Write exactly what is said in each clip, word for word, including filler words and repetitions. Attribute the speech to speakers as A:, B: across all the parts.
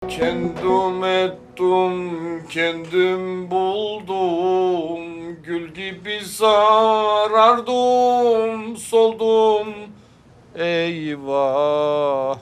A: Kendim ettim, kendim buldum. Gül gibi sarardım, soldum. Eyvah,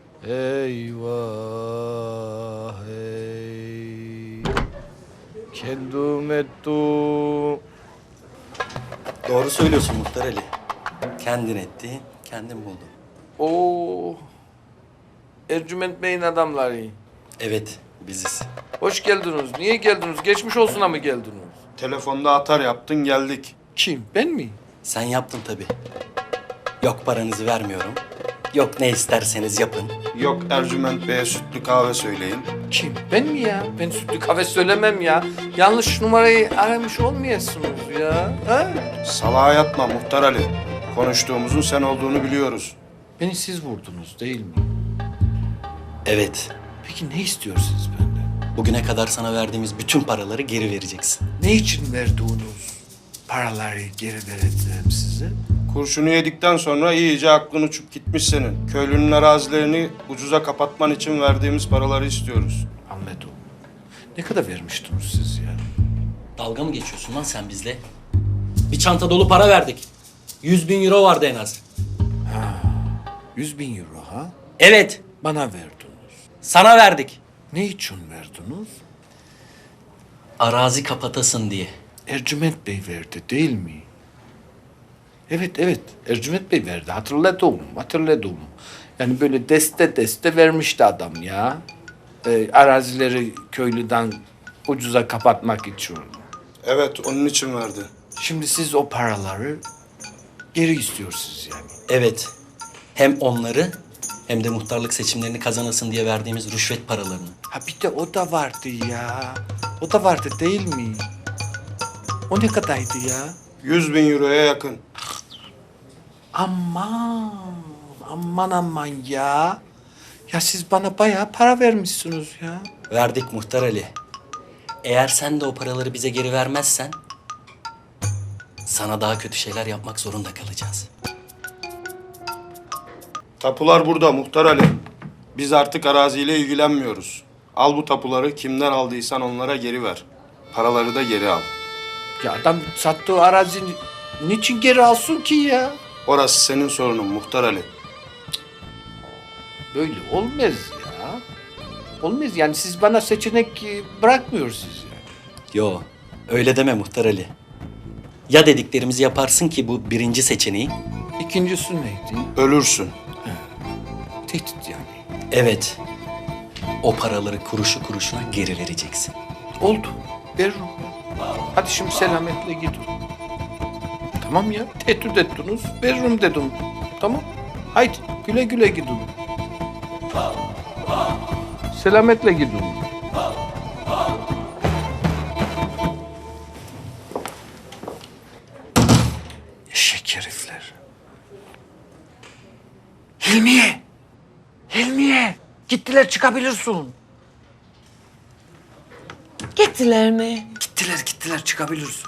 A: eyvah, ey. Kendim ettim.
B: Doğru söylüyorsun Muhtar Ali. Kendin ettin, kendin buldun.
A: Oo. Ercüment Bey'in adamları.
B: Evet, biziz.
A: Hoş geldiniz. Niye geldiniz? Geçmiş olsuna mı geldiniz?
C: Telefonda atar yaptın geldik.
A: Kim? Ben mi?
B: Sen yaptın tabii. Yok paranızı vermiyorum. Yok ne isterseniz yapın.
C: Yok Ercüment Bey'e sütlü kahve söyleyin.
A: Kim? Ben mi ya? Ben sütlü kahve söylemem ya. Yanlış numarayı aramış olmayasınız ya. Ha?
C: Salağa yatma Muhtar Ali. Konuştuğumuzun sen olduğunu biliyoruz.
A: Beni siz vurdunuz değil mi?
B: Evet,
A: Peki ne istiyorsunuz benden?
B: bugüne kadar sana verdiğimiz bütün paraları geri vereceksin.
A: Ne için verdiğiniz paraları geri vereceğim size?
C: Kurşunu yedikten sonra iyice aklın uçup gitmiş senin. Köylünün arazilerini ucuza kapatman için verdiğimiz paraları istiyoruz.
A: Anladım. Ne kadar vermiştiniz siz ya?
B: Dalga mı geçiyorsun lan sen bizle? Bir çanta dolu para verdik. Yüz bin euro vardı en az.
A: Yüz bin euro ha?
B: Evet,
A: Bana verdiniz.
B: sana verdik.
A: Ne için verdiniz?
B: Arazi kapatasın diye.
A: Ercüment Bey verdi değil mi? Evet evet Ercüment Bey verdi hatırladım hatırladım. Yani böyle deste deste vermişti adam ya. Ee, arazileri köylüden ucuza kapatmak için.
C: Evet onun için verdi.
A: Şimdi siz o paraları geri istiyorsunuz yani.
B: Evet, hem onları hem de muhtarlık seçimlerini kazanasın diye verdiğimiz rüşvet paralarını.
A: Ha bir de o da vardı ya. O da vardı değil mi? O ne kadardı ya?
C: Yüz bin euroya yakın.
A: Aman, aman aman ya. Ya siz bana bayağı para vermişsiniz ya.
B: Verdik Muhtar Ali. Eğer sen de o paraları bize geri vermezsen... sana daha kötü şeyler yapmak zorunda kalacağız.
C: Tapular burada Muhtar Ali. Biz artık araziyle ilgilenmiyoruz. Al bu tapuları kimden aldıysan onlara geri ver. Paraları da geri al.
A: Ya adam sattığı arazi niçin geri alsın ki ya?
C: Orası senin sorunun Muhtar Ali.
A: Böyle olmaz ya. Olmaz yani siz bana seçenek e, bırakmıyorsunuz yani.
B: Yo, öyle deme Muhtar Ali. Ya dediklerimizi yaparsın ki bu birinci seçeneği.
A: İkincisi neydi?
C: Ölürsün.
A: Tehdit yani.
B: Evet, o paraları kuruşu kuruşuna geri vereceksin.
A: Oldu. Veririm. Hadi şimdi selametle gidin. Tamam ya. Tehdit ettiniz. Veririm dedim. Tamam. Haydi güle güle gidin. Selametle gidin. Eşek herifler. Hilmiye! Hilmiye! Gittiler çıkabilirsin.
D: Gittiler mi?
A: Gittiler gittiler çıkabilirsin.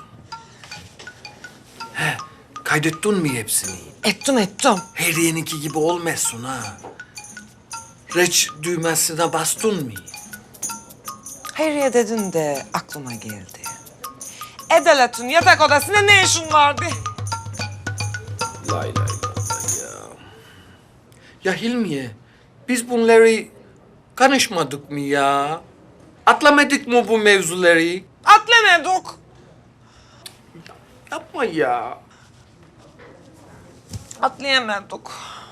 A: He, kaydettin mi hepsini?
D: Ettim ettim.
A: Heriye'ninki gibi olmasın ha. Reç düğmesine bastın mı?
D: Hayriye dedin de aklıma geldi. Edelet'in yatak odasında ne işin vardı?
A: Lay lay lay ya. Ya Hilmiye, biz bunları konuşmadık mı ya? Atlamadık mı bu mevzuları?
D: Atlamadık.
A: Yapma ya.
D: Atlayamadık.